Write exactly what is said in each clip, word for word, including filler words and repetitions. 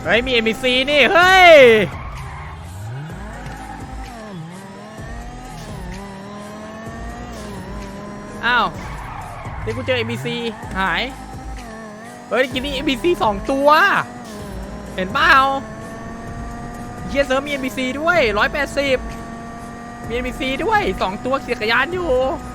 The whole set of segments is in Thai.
เฮ้ยมี เอ็ม บี ซี นี่เฮ้ยอ้าวเดี๋ยวกูเจอ เอ็ม บี ซี หายเฮ้ยกินนี่ เอ็ม บี ซี สองตัวเห็นเปล่าเฮียเซิร์ฟมี เอ็ม บี ซี ด้วยหนึ่งร้อยแปดสิบมี เอ็ม บี ซี ด้วยสองตัวขี่จักรยานอยู่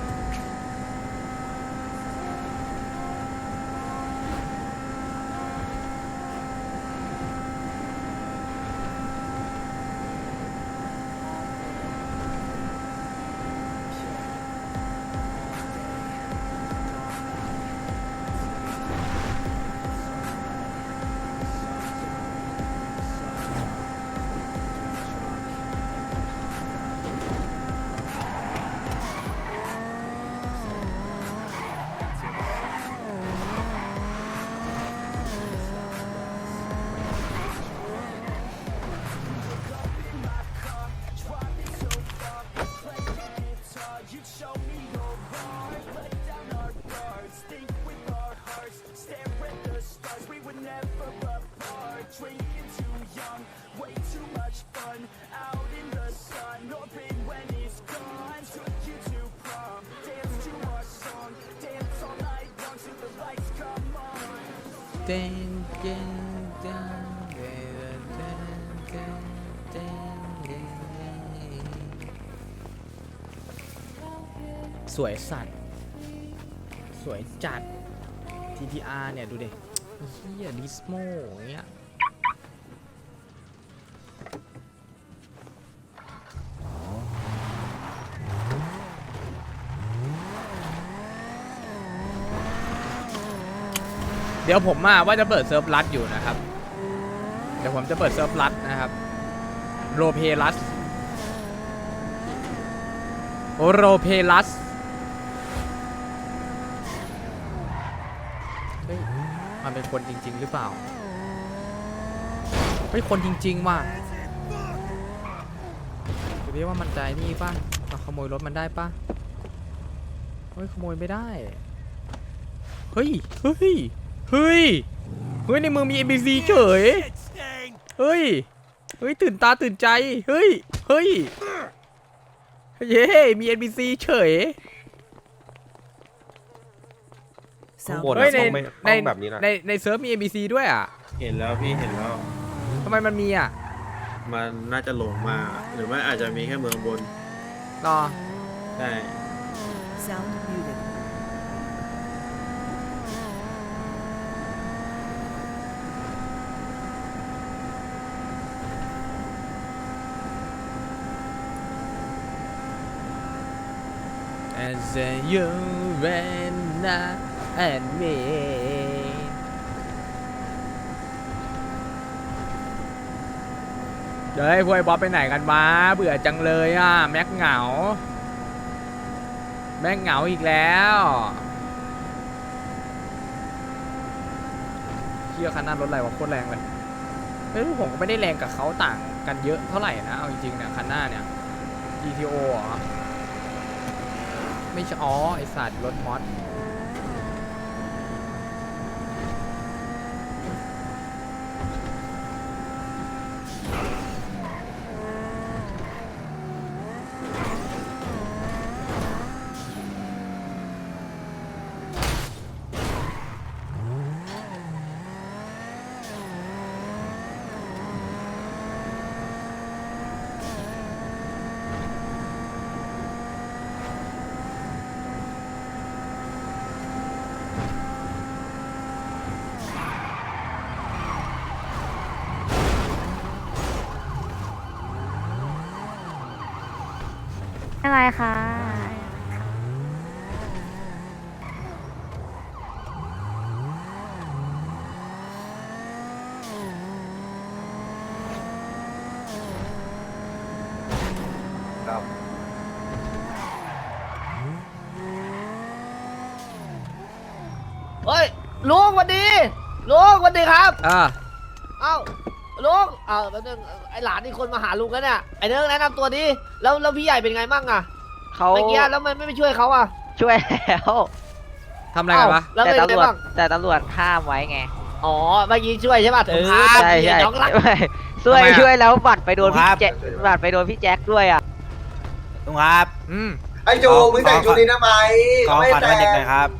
เต้นเต้นเต้นเต้นเต้นเต้นเต้นสวยสัตว์สวยจัด ที ที อาร์ เนี่ยดูดิเฮียดิสโมอย่างเงี้ยเดี๋ยวผมอ่ะว่าจะเปิดเซิร์ฟลัดอยู่นะครับเดี๋ยวผมจะเปิดเซิร์ฟลัดนะครับโรเพลัสโรเพลัสเฮ้ยมันเป็นคนจริงๆหรือเปล่าเฮ้ยคนจริงๆว่ะจะเรียกว่ามันใจนี่ป่ะเราขโมยรถมันได้ป่ะเฮ้ยขโมยไม่ได้เฮ้ยเฮ้ยเฮ้ย เฮ้ยในเมืองมี เอ็ม บี ซี เฉย เฮ้ย เฮ้ยตื่นตาตื่นใจ เฮ้ย เฮ้ย เย้มี เอ็ม บี ซี เฉยเฮ้ยในในในในเซิร์ฟมี เอ็ม บี ซี ด้วยอ่ะเห็นแล้วพี่เห็นแล้วทำไมมันมีอ่ะมันน่าจะหลงมาหรือว่าอาจจะมีแค่เมืองบนรอใช่ Sound muted. As you and and me เดี๋ยวให้พวกไอ้บ๊อบไปไหนกันวะเบื่อจังเลยอ่ะแม็กเหงาแม็กเหงาอีกแล้วเชี่ยคันหน้ารถอะไรวะโคตรแรงเลยเฮ้ยผมก็ไม่ได้แรงกับเขาต่างกันเยอะเท่าไหร่นะเอาจริงๆเนี่ยคันหน้าเนี่ย จี ที โอ เหรอไม่ใช่อ๋อไอสัตว์รถมอสอะไรคะครับเฮ้ยลุงสวัสดีลุงสวัสดีครับอ่าเอ้าลุงเอ้าแป๊บนึงไอหลานอีกคนมาหาลุงกันเนี่ยไอเนื้อแนะนำตัวดิแล้วแล้วพี่ใหญ่เป็นไงบ้างอะเขาเมื่อกี้แล้วมันไม่ไปช่วยเขาอะช่วยแล้วทำอะไรกันวะแล้วแต่เป็นตำไงรวจบ้างแต่ตำรวจห้ามไว้ไงอ๋อเมื่อกี้ช่วยใช่ป่ะเออใช่ใช่น้องรักไม่ช่วยทำไมอะช่วยแล้วบัตรไปโดนพี่ครับแจ็คบัตรไปโดนพี่แจ็คด้วยอ่ะลุงครับอืมไอ้จูมึงแต่งชุดนี้ทำไมขอไม่ฝันแต่วันเด็กหน่อยครับ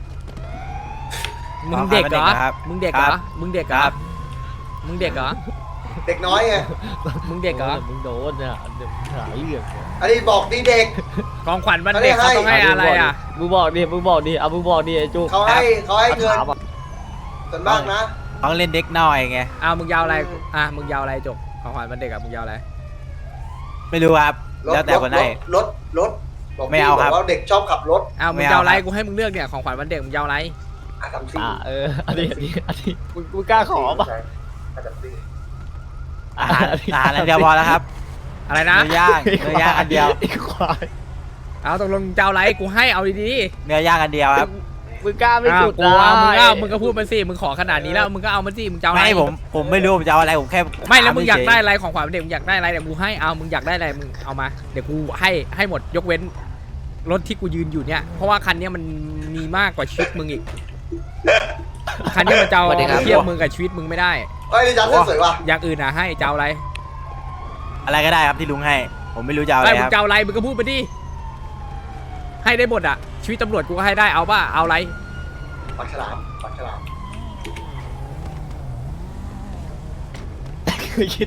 มึงเด็กเหรอขอครับมึงเด็กเหรคอรับมึงเด็กเหรคอรับมึงเด็กเหรอเด็กน้อยไงมึงเด็กเหรอมึงโดนเนี่ยเดี๋ยวหาเรื่องอันนี้บอกดีเด็กของขวัญวันเด็กเขาต้องให้อะไรอ่ะมึงบอกดิมึงบอกดิเอามึงบอกดิไอ้จุกเขาให้เขาให้เงินถามอะส่วนมากนะต้องเล่นเด็กหน่อยไงอ้าวมึงยาวอะไร อ่ะ มึงยาวอะไรจบ ของขวัญวันเด็กอ่ะ มึงยาวอะไรไม่รู้ครับรถแล้วแต่รถคนให้รถรถบอกไม่เอาครับบอกว่าเด็กชอบขับรถอ้าว มึไม่งเอายาวอะไรครับกูให้มึงเลือกเนี่ย ของขวัญวันเด็กมึงยาวอะไรอาทำซิ่งอ่าเอออันนี้อันนี้อันนี้มึงมึงกล้าขอป่ะอาทำซิ่งอาหารอาหารอันเดียวพอแล้วครับอะไรนะเนื้อย่างเนื้อย่างอันเดียวไอ้ควายเอาตกลงจะเอาอะไร กูให้เอาดีเนื้อย่างอันเดียวครับมึงกล้าๆไม่อ้าวสุดกูเอามึงได้เอามึงก็พูดมาสิ มึงขอขนาดนี้แล้ว มึงก็เอามาสิ มึงจะเอาอะไรไม่ผมผมไม่รู้ผมจะเอาอะไรผมแค่ไม่แล้วมึงอยากได้ถอะไรของขวัญวันเด็กมึงอยากได้อะไรเดี๋ยวกูให้ เอา มึงอยากได้อะไร มึงเอามา เดี๋ยวกูให้ให้หมดยกเว้นรถที่กูยืนอยู่เนี่ย เพราะว่าคันเนี้ยมันมีมากกว่าชีวิตมึงอีก คันเนี้ยมันจะเอาเทียบมึงกับชีวิตมึงไม่ได้เฮ้ยนี่จัดเสื้อสวยว่ะอย่างอื่นอ่ะให้จะเอาอะไรอะไรก็ได้ครับที่ลุงให้ ผมไม่รู้จะเอาอะไอ้ไรมึคงรับจะเอาอะไรมึงก็พูดไปดิ ให้ได้หมดอ่ะ ชีวิตตำรวจกูก็ให้ได้ เอาป่ะ เอาอะไรปากฉลามปากฉลามคือคิด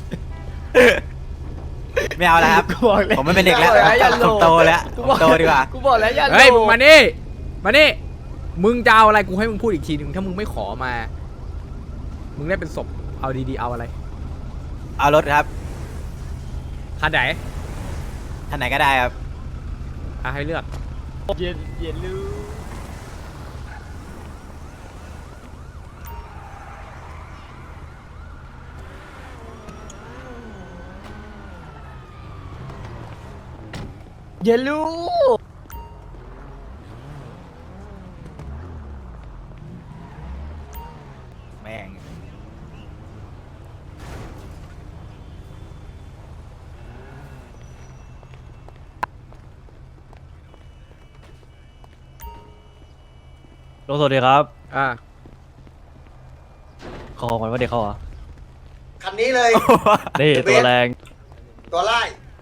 ไม่เอาแล้วครับกูบอกเลยผมไม่เป็นเด็กแล้วกูบอกอย่าผมโตแล้วกูผมบอกโตดีกว่ากูบอกแล้วอย่าเฮ้ยโลมึงภมานี่ มานี่ มึงจะเอาอะไร กูให้มึงพูดอีกทีหนึ่งถ้ามึงไม่ขอมา มึงได้เป็นศพ เอาดีๆ เอาอะไรเอารถครับคันไหนท่านไหนก็ได้ครับอ่ะให้เลือกเย็นเย็นลูเย็นลูแม่งลงสวัสดีครับอ่ะขอของขวัญวันเด็กเขาเหรอคันนี้เลยนี่เบสตัวแรงตัวไล่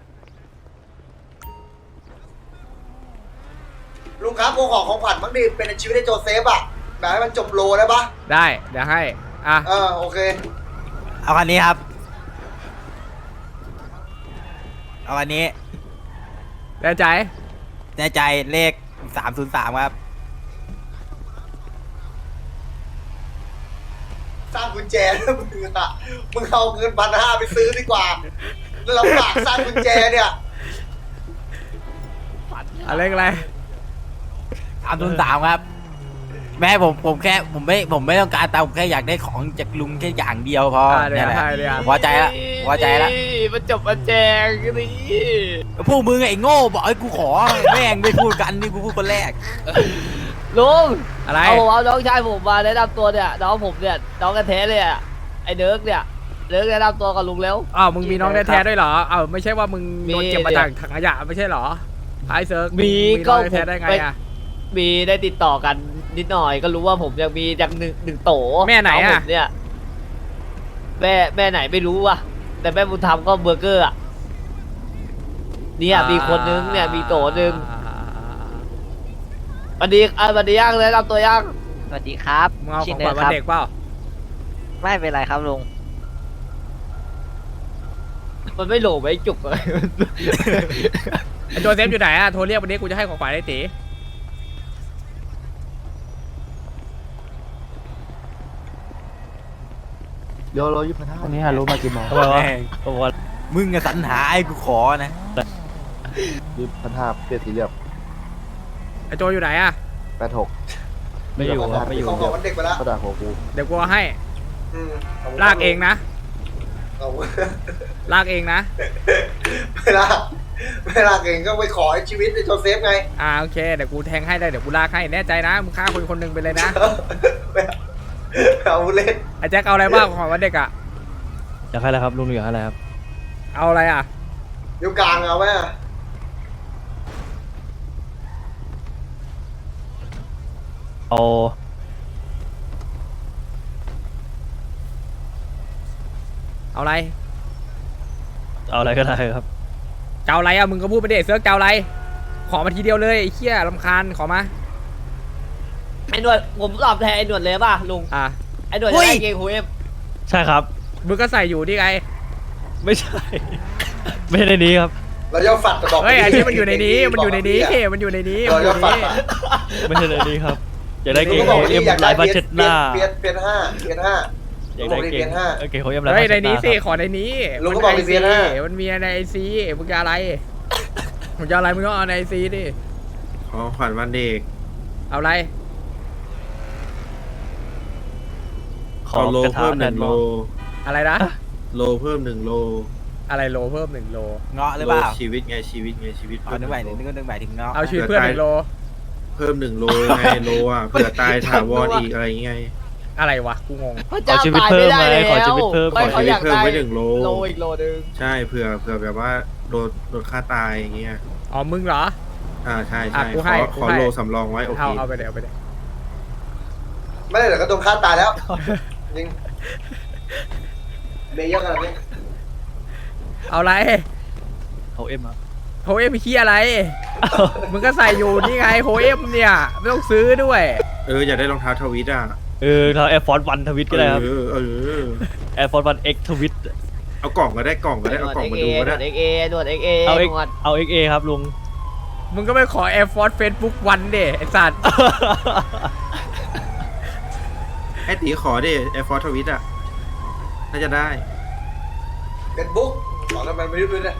ลุงครับกูขอของขวัญบ้างดิเป็นชีวิตในโจเซฟอะแบบให้มันจบโลได้ปะได้ เดี๋ยวให้ อ่ะเออโอเคเอาคันนี้ครับ เอาคันนี้แน่ใจแน่ใจเลขสามศูนย์สามครับสร้างกุญแจแล้วมึงอะมึงเอาเงินพันห้าไปซื้อดีกว่าแล้วเราฝากสร้างกุญแจเนี่ยอะไรอะไรสามศูนย์สามครับ แม่ผมผมแค่ผมไม่ผมไม่ต้องการตังค์ผมแค่อยากได้ของจากลุงแค่อย่างเดียวพออ่ะเดี๋นี่ยแหวละให้เดี๋ยวผมพอใจละพอใจละมันจบมันแจงนี่พวกมึงไอ้โง่บอกไอ้กูขอแม่งไม่พูดกันนี่กูพูดคนแรกลุงอะไรเอาผมเอาน้องชายผมมาแนะนำตัวเนี่ยน้องผมเนี่ยน้องกันแท้เลยอะไอ้เดิร์กเนี่ยเดิร์กแนะนำตัวกับลุงแล้วอ้าว มึงมีน้องแท้ๆด้วยเหรอ อ้าว ไม่ใช่ว่ามึงมีโดนเก็บมาจากถังขยะไม่ใช่เหรอไอ้เซิร์กมีงก็น้องแท้ๆได้ไงไปอ่ะมีได้ติดต่อกันนิดหน่อยก็รู้ว่าผมยังมียังหนึ่งหนึ่งโตแม่ไหนอะงผมเนี่ยแม่แม่ไหนไม่รู้ว่ะแต่แม่บุญธรรมก็เบอร์เกอร์อะเนี่ยมีคนนึงเนี่ยมีโตนึงสวัสดีอ่ะสวัสดีย่างเลยรับตัวย่างสวัสดีครับมึงเอาขชิองเนขอวัญร์วัคน รับเด็กเปล่าไม่เป็นไรครับลุงมันไม่โหลไม่จุกเลยไอ้โจเซฟอยู่ไหนอ่ะ โทรเรียกวันนี้กูจะให้ของขวัญไอ้ตีเดี๋ยวเรายี่สิบห้าวันนี้ฮารู้มากี่โมงทำไมวะแม่งโอ้โหมึงอะสรรหาไอ้กูขอนะยี่สิบห้าเปลี่ยนสีเหลือบไอ้โจอยู่ไหนอ่ะแปดหกไม่อยู่ครับไม่อยู่ของขเดี๋อย งววันเด็กไปแล้วเขาด่าหัวกูเดี๋ยวกูเอาให้อืมขบคุณลากเองนะเอาลากเองนะไม่ลากไม่ลากเองก็ไปขอให้ชีวิตในโจเซฟไงอ่าโอเค เดี๋ยวกูแทงให้ได้ เดี๋ยวกูลากให้ แน่ใจนะ มึงฆ่าคนคนหนึ่งไปเลยนะเอาเล่นไอ้แจ็คเอาอะไรบ้างของขวัญวันเด็กอ่ะอยากให้อะไรครับลุงอยากให้อะไรครับเอาอะไรอ่ะนิ้วกลางเอาไหมอะเอาเอาอะไรเอาอะไรก็ได้ครับเจ้าอะไรอ่ะมึงก็พูดไปเด็เซิร์กเจ้าอะไรขอมาทีเดียวเลยไอ้เหี้ยรำคาญขอมาไอ้หนวดผมตอบแทนไอ้หนวดเลยป่ะลุงอ่ะไอ้หนวดจะได้เกงโฮเอ็มใช่ครับมึงก็ใส่อยู่นี่ไงไม่ใช่ ไม่ใช่ในนี้ครับเราจะฝัดกระบอกเฮ้ยอันนี้มันอยู่ในนี้มันอยู่ในนี้มันอยู่ในนี้มัเรานอยู่จะในฝัดนี้อะไม่ใช่ในนี้ครับ อยากได้เกงลุงก็บอกเอ็ที่มอยากลาได้ยผ้าเช็ดหน้าเปลี่ยนเปลี่ยนห้าเปลี่ยนห้าอยากได้เกงเออเกงเขาเอ็มลายเฮ้ยผ้าในเช็ดหนี้น้าสิครับขอในนี้ลุงก็บอกมัในเวียนห้ามันมีในไอซีมึงจะอะไรมึงจะอะไรมึงก็เอาในไอซีดิของขวัญวันเด็กเอาอะไรขอเอาโลกระถาเพิ่มหแทนึ่นงโลโลอะไรนะโลเพิ่มหนึ่งโลอะไรโลเพิ่มหนึ่งโลเงาะหรือโลเปล่าชีวิตไงชีวิตไงชีวิตอ๋อนึกหมายถึงนึกนึกหมายถึงเงาะเอาชีวิตเพื่อนหนึ่งโลเพิ่มหนึ่งโลไงโลอ่ะเผื่อตายถาวรอีกอะไรเงี้ยอะไรวะกูงงพระเจ้าตายไม่ได้แล้วขอชีวิตเพิ่มไม่เขาอยากเพิ่มได้ไว้หนึ่งโลโลอีกโลนึงใช่เผื่อเผื่อแบบว่าโดนโดนฆ่าตายอย่างเงี้ยอ๋อมึงเหรออ่าใช่อ่ะใช่กูขให้อกูขอให้โลสำรองไว้โอเคเอาเอาไปเดี๋ยวเอาไปเดี๋ยวไม่ได้เดี๋ยวก็โดนฆ่าตายแล้วจริงเมย์เยอะขนาดนี้เอาอะไรเขาเอ็มครับโฮเอ็มขี้อะไร มึงก็ใส่อยู่นี่ไงโฮเอ็มเนี่ยไม่ต้องซื้อด้วยเอออยากได้รองเท้าทวิตอ่ะเออเราแอร์ฟอร์วันทวิตก็ได้ครับเออเออแอร์ฟอร์วันเอ็กทวิตเอากล่องก็ได้กล่องก็ได้เอากล่องมาดูก็หนได้วดเอ็กเอหนวดเอ็กเอเอาหเอ็กนวดเอาเอ็กเอครับลุงมึงก็ไปขอ Air Force Facebook วันเดไอ้สัตว์ไอ้ตีขอดิแอร์ฟอร์ทวิตอ่ะน่าจะได้เฟซบุ๊กขอทำไมไม่รู้ด้วยเนี่ย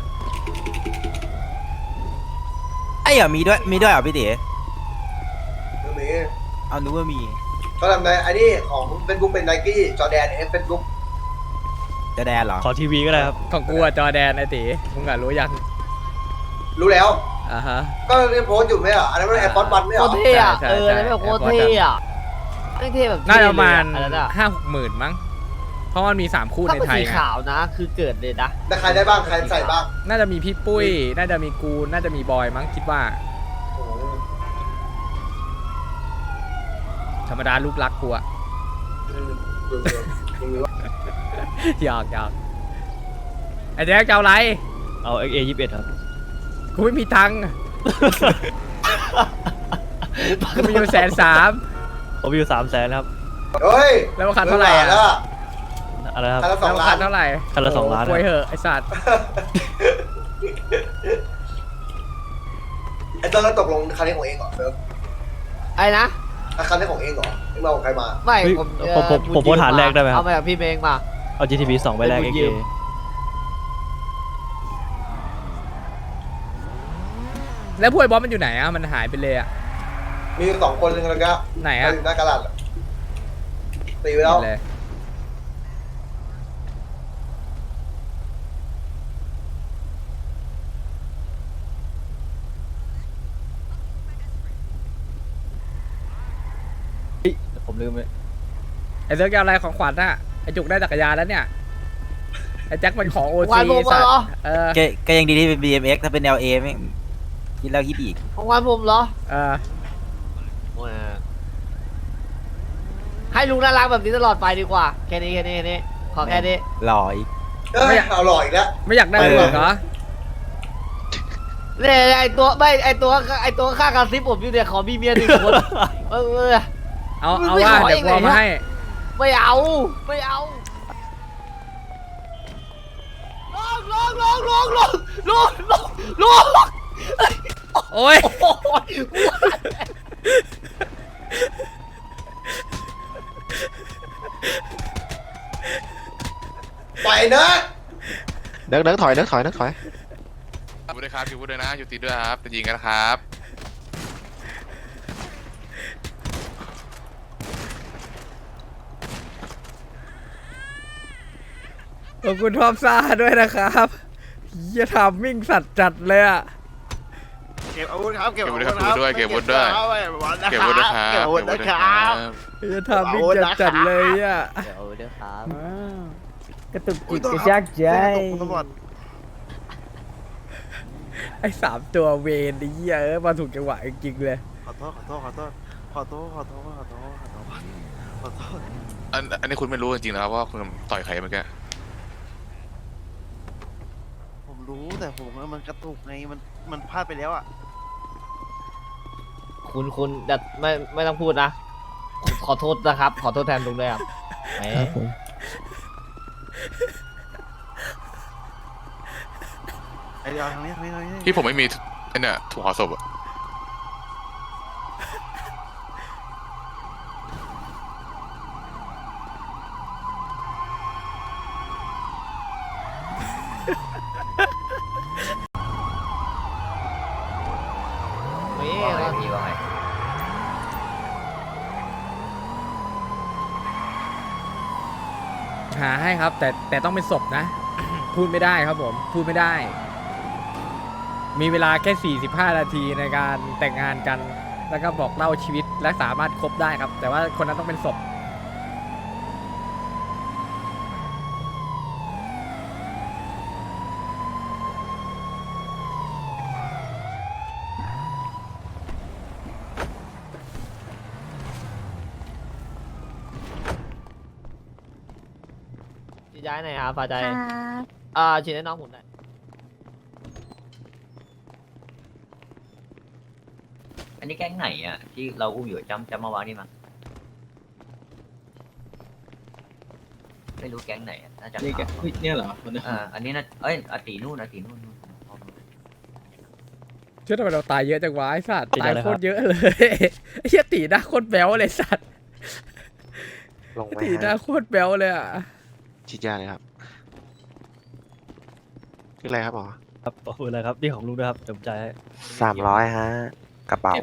ไอ้เหรอมีด้วยมีด้วยเหรอพี่เต๋ไม่มีเอานึกว่ามีเขาทำไงอันนี้ของเฟซบุ๊กเป็นไนกี้จอแดนเอฟเฟซบุ๊กจะแดนเหรอขอทีวีก็ได้ครับของกูอะจอแดนไอ้ตีมึงอะรู้ยังรู้แล้วอ่าฮะก็เรียกโพสต์อยู่ไหมอ่ะอันนั้นมันแอร์พอร์ตวันไม่เหโครอตรเท่อะใช่เออใช่แล้วแบบโคตร Air Force เท่อะไม่เท่แบบน่าจะประมาณเท่เลยอะอันนั้นอะห้าหกหมื่นมั้ง เพราะมันมีสามคู่ถ้าในเป็นไทยสีไงขาวนะ คือเกิดเลยนะแต่ใครได้บ้างใครใส่บ้างน่าจะมีพี่ปุ้ย น่าจะมีกู น่าจะมีบอยมั้งคิดว่าโอ้โหธรรมดาลูกรักกูอะอืมดูดูดูดูว่าหยอกหยอกไอ้แจ๊คจะเอาอะไรเอาเอ็กเอยี่สิบเอ็ดครับกูไม่มีตังค์ กูมีอยู่แสนสามผมมีอยู่สามแสนครับเฮ้ยแล้วราคาเท่าไหร่อะแล้วอะไรครับคันละสแล้อวง ล้านราคาเท่าไหร่คันละสองล้านโป่วยเหอะไอ้สัตว์ไอ้ตอนนั้นตกลงคันนี้ของเองเหรอเซิร์ฟไอ้นะอ่ะคันนี้ของเองเหรอเองมาของใครมาไม่เฮ้ยผมผมผมผมโพสต์หาแรกได้ไหมครับเอามาจากพี่เมงมาเอา จี ที บี สองใบแรกเป็เอ็นกบุญยืเอมแล้วพวกไอ้บอสมันอยู่ไหนอะมันหายไปเลยอะมีสองคนหนึ่งแล้วก็ไหนอะอยู่หน้ากระดาษอะตีไปแล้วเลยผมลืมเลยไอ้เซิร์กจะเอาอะไรของขวัญอะไอ้จุกได้จักรยานแล้วเนี่ย ไอ้แจ็คมันของโอวัซีนผมสัตเหรว์อเออก็ก็ยังดีที่เป็น บี เอ็ม เอ็กซ์ ถ้าเป็น แอล เอ ไม่งคิดแล้วคิดอีกของวันผมเหรอเออให้ลุงน่ารักแบบนี้ตลอดไปดีกว่า แค่นี้แค่นี้แค่นี้ ขอแค่นี้หล่ออีกเอ้ยเอาหล่ออีกแล้วไม่อยากได้เออเบิกเหรอเนี่ยไอตัวไม่ไอตัวไอตัวข้างกระซิบผมอยู่เนี่ยขอมีเมียหนึ่งคน เออเออเอามึงเอาไม่ว่าขอเดี๋ยวเองกูเอาเลยมานะให้ไม่เอาไม่เอาลงลงลงลงลงลงลงลงโอ้ยโอ้ยปล่อยเนอะเดินเดินถอยเดินถอยเดินถอยพูดด้วยครับพูดด้วยนะอยู่ตีด้วยครับจะยิงกันนะครับขอบคุณทอมซ่าด้วยนะครับเฮียทำมิ่งสัตว์จัดเลยอะเก็บอาวุธครับเก็บอาวุธด้วยเก็บอาวุธด้วยเก็บอาวุธด้วยครับเก็บอาวุธนะครับเฮียทำมิ่งจัดจัดๆเลยอะเดี๋ยวเดี๋ยวครับกระตุกจิตกระชากใจไอ้สามตัวเวนไอ้เหี้ยเออมาถูกจังหวะจริงๆเลยขอโทษขอโทษขอโทษขอโทษขอโทษขอโทษขอโทษขอโทษอันอันนี้คุณไม่รู้จริงๆนะครับว่าคุณต่อยใครเมื่อกี้รู้แต่ผมว่ามันกระตุกไงมันมันพลาดไปแล้วอ่ะคุณคุณแต่ไม่ไม่ต้องพูดนะ ขอโทษนะครับ ขอโทษแทนลุงด้วยครับแหมไอเดียวทางนี้ทางนี้ทางนี้ที่ผมไม่มีไอ้เนี่ยถุงห่อศพอะนี่ครับหาให้ครับ แต่แต่ต้องเป็นศพนะ พูดไม่ได้ครับผม พูดไม่ได้ มีเวลาแค่ สี่สิบห้า นาทีในการแต่งงานกัน แล้วก็บอกเล่าชีวิตและสามารถคบได้ครับ แต่ว่าคนนั้นต้องเป็นศพย้ายหน่อยครับฟ้าใจครับอ่าฉีดให้น้องผมหน่อยอันนี้แก๊งไหนอ่ะที่เราอุ้มอยู่จำจำมาวางนี่มั้งไม่รู้แก๊งไหนอ่ะน่าจะนี่แกเนี่ยเหรออ่าอันนี้นะเอ้ยอาตีนู่นอาตีนู่นนู่นเชื่อทำไมเราตายเยอะจังวะไอ้สัตว์ตายโคตรเยอะเลยไอ้เหี้ยตีหน้าโคตรแบ๊วเลยสัตว์ตีหน้าโคตรแบ๊วเลยอ่ะฉีดยาเลยครับคืออะไรครับหมอครับขอบคุณเลยครับนี่ของลุงด้วยครับเดี๋ยวผมจ่ายให้สามร้อยฮะกระเป๋า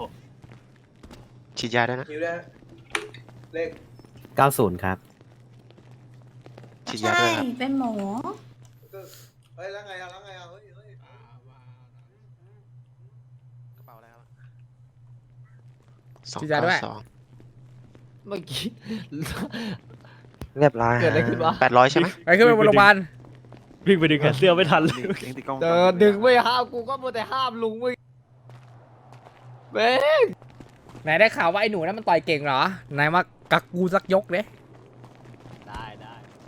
ฉีดยาได้นะคิวได้เลขเก้าสิบครับฉีดยาด้วยครับเป็นหมอเฮ้ยแล้วไงอ่ะแล้วไงอ่ะเฮ้ยเฮ้ยกระเป๋าอะไรครับฉีดยาด้วยเมื่อกี้เรียบร้อยเกิดอะไรขึ้นวะแปดร้อยใช่ไหมไปขึ้นไปบนโรงพยาบาลวิ่งไปดึงแขนเสื้อไม่ทันเลยเดินดึงไม่ห้ามกูก็มัวแต่ห้ามลุงมึงเบ้งไหนได้ข่าวว่าไอ้หนูนั้นมันต่อยเก่งเหรอไหนมากักกูสักยกเลยได้ได้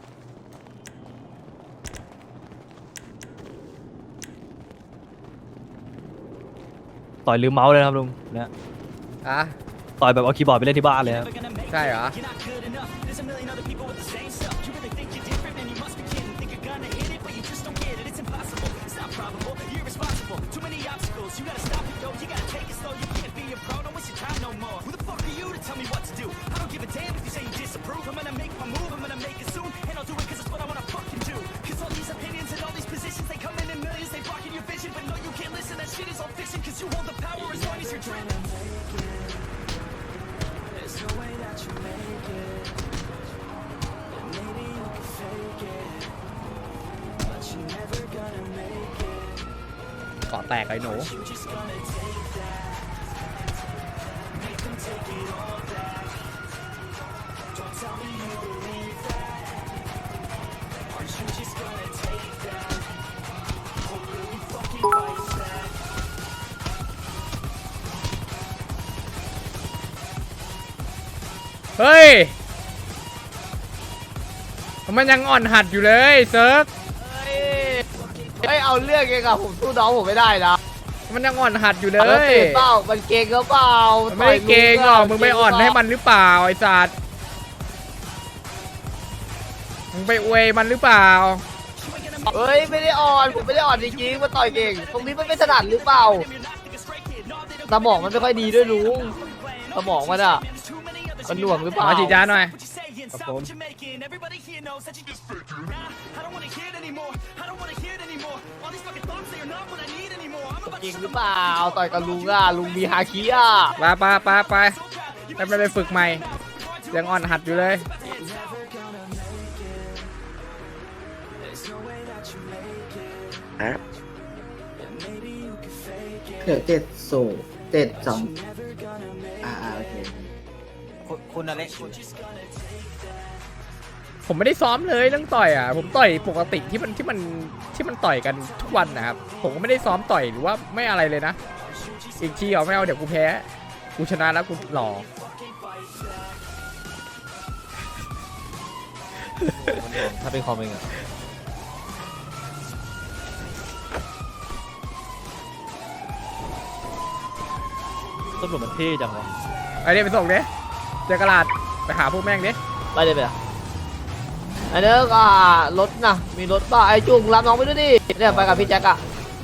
ต่อยลืมเมาส์เลยนะครับลุงเนี่ยอ่ะต่อยแบบเอาคีย์บอร์ดไปเล่นที่บ้านเลยครับใช่เหรอ ก่อแตกไอ้หนู เฮ้ย มันยังอ่อนหัดอยู่เลยเซิร์ฟเฮ้ยเอาเรื่องเองอะผมสู้น้องผมไม่ได้นะมันยังอ่อนหัดอยู่เลมันยเก่งเปล่ามันเก่งก็เปล่ามันไม่ได้เก่งหรอกมึงไปอ่อนให้มันหรือเปล่าไอ้สัตว์มึงไปอวยมันหรือเปล่าเฮ้ยไม่ได้อ่อนผมไม่ได้อ่อนจริงๆมันต่อยเก่งตรงนี้มันไม่ถนัดหรือเปล่าสมองมันไม่ค่อยดีด้วยลุงสมองมันอะมันหน่วงหรือเปล่ามาฉีดยาหน่อยครับผมจริงหรือเปล่าต่อยกับลุงอะลุงมีฮาคิอะไปไปไปไปไปไปไปฝึกใหม่ ยังอ่อนหัดอยู่เลยฮะเดี๋ยวเจ็ดสูเจ็ดสองอ่าโอเคคุณคุณอะไรคุณผมไม่ได้ซ้อมเลยเรื่องต่อยอ่ะ ผมต่อยปกติที่มันที่มันที่มันต่อยกันทุกวันนะครับ ผมก็ไม่ได้ซ้อมต่อยหรือว่าไม่อะไรเลยนะ อีกทีเอาไม่เอาเดี๋ยวกูแพ้ กูชนะแล้วกูหล่อถ้าเป็นคอมเองอะตำรวจมันเท่จังวะไอ้เนี่ยไปส่งดิเจอกระดาษไปหาพวกแม่งดิไปเลยไปเลยไอ้เด้ออ่ารถนะมีรถป่ะไอ้จุงรับน้องไปด้วยดิเนี่ยไปกับพี่แจ็คอะ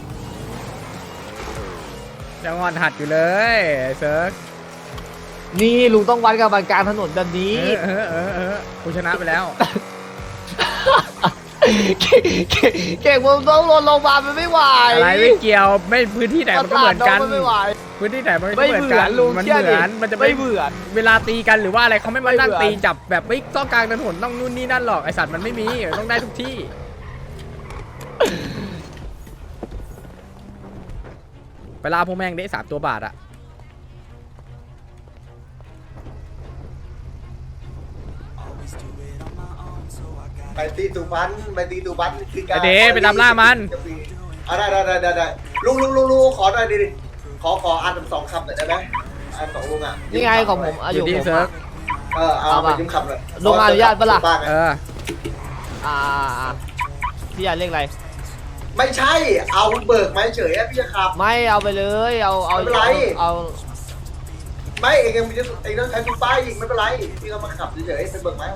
ยังงอนหัดอยู่เลยไอ้เซิร์กนี่ลุงต้องวัดกับบันกลารถนนแบบนี้เออเออเออเออกูชนะไปแล้วเก่งเก่งเก่งผมต้องลงลงมามันไม่ไหวอะไรไม่เกี่ยวไม่พื้นที่ไหนมันก็เหมือนกันประสาทองไม่ไหวพื้นที่ไหนมันก็ไม่เหมือนเหมืกัอน นลุงมันเชื่อเหดิมือนมันจะไม่เหมือนเวลาตีกันหรือว่าอะไรเขาไม่มานั่งไม่เหมือนตีจับแบบไม่ต้องกลางถนนต้องนู่นนี่นั่นหรอกไอสัตว์มันไม่มีต้องได้ทุกที่ ไปล่าพวกแม่งได้สามตัวบาทอะไปตีตูบันไปตีตูบันคือการไอเดไปตามล่ามันอ่ะได้ได้ได้ได้ลุงลุงลุงลุงขอหน่อยดิดิขอขออ่านสองคำหน่อยได้ไหมอ่านสองลุงอ่ะนี่ไงของผมอาอยุยู่ผที่มเซิร์ฟเออเอาไปยิ้มคำเลยลุงอนุญาตปะล่ะเอออ่าพี่อยากเรียกอะไรไม่ใช่เอาเบิกมาเฉยๆพี่จะขับไม่เอาไปเลยเอาเอาไม่เป็นไรเอาไม่เองยังจะเองต้องใช้ตู้ป้ายอีกไม่เป็นไรพี่ก็มาขับเฉยๆไปเบิกไหม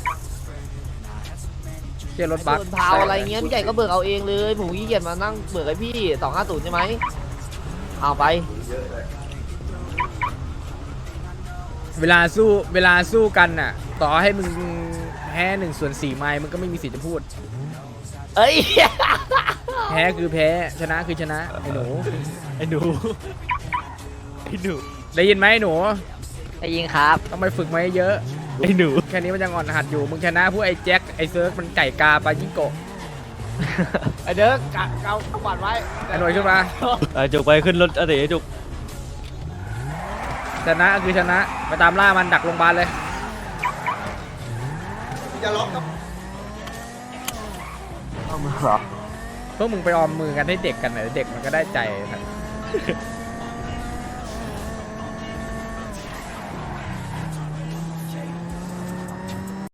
เกียร์รถบัสส่วนพาวอะไรเงี้ยพี่ใหญ่ก็เบิกเอาเองเลยผมขี้เกียจมานั่งเบิกให้พี่สองห้าศูนย์ใช่ไหมเอาไปเวลาสู้เวลาสู้กันน่ะ ต่อให้มึงแพ้หนึ่งส่วนสี่ไม้มึงก็ไม่มีสิทธิ์จะพูดเอ้ยแพ้คือแพ้ชนะคือชนะไอ้หนูไอ้หนูไอ้หนูได้ยินไหมไอ้หนูได้ยิงครับต้องไปฝึกมาเยอะไอ้หนูแค่นี้มันยังอ่อนหัดอยู่มึงชนะพวกไอ้แจ็คไอ้เซิร์ฟมันไก่กาปายิงโกะไอเด้อกะเกาขวานไว้ไอ้หน่วยขึ้นมาไอ้จุกไปขึ้นรถอาเต๋จุกชนะคือชนะไปตามล่ามันดักโรงพยาบาลเลยจะล็อกครับพวกมึงไปออมมือกันให้เด็กกันหน่อยเด็กมันก็ได้ใจนะ